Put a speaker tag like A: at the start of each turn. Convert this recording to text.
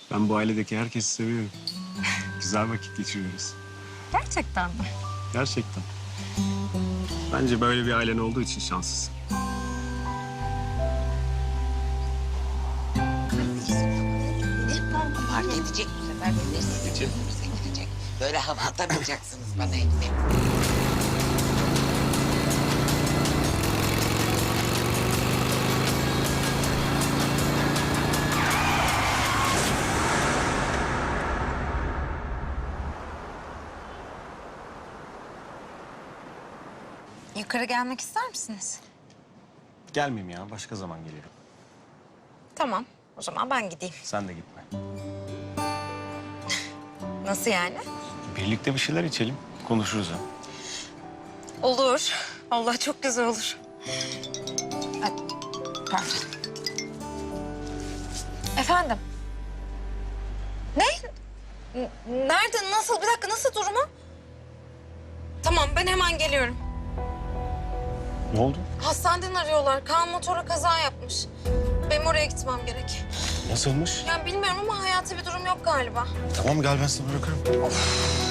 A: Ben bu ailedeki herkesi seviyorum. Güzel vakit geçiriyoruz.
B: Gerçekten mi?
A: Gerçekten. Bence böyle bir ailen olduğu için şanslısın.
C: Fark edecek bu sefer belirsiz gidecek. Böyle hava atamayacaksınız bana hepsi.
B: Yukarı gelmek ister misiniz?
A: Gelmeyeyim ya. Başka zaman gelirim.
B: Tamam. O zaman ben gideyim.
A: Sen de gitme.
B: Nasıl yani?
A: Birlikte bir şeyler içelim. Konuşuruz ha.
B: Olur. Allah çok güzel olur. Ay, pardon. Efendim? Ne? Nerede? Nasıl? Bir dakika, nasıl durumu? Tamam, ben hemen geliyorum.
A: Ne oldu?
B: Hastaneden arıyorlar. Kaan motora kaza yapmış. Benim oraya gitmem gerek.
A: Nasılmış?
B: Yani bilmiyorum ama hayati bir durum yok galiba.
A: Tamam gel ben seni bırakırım.
B: Of.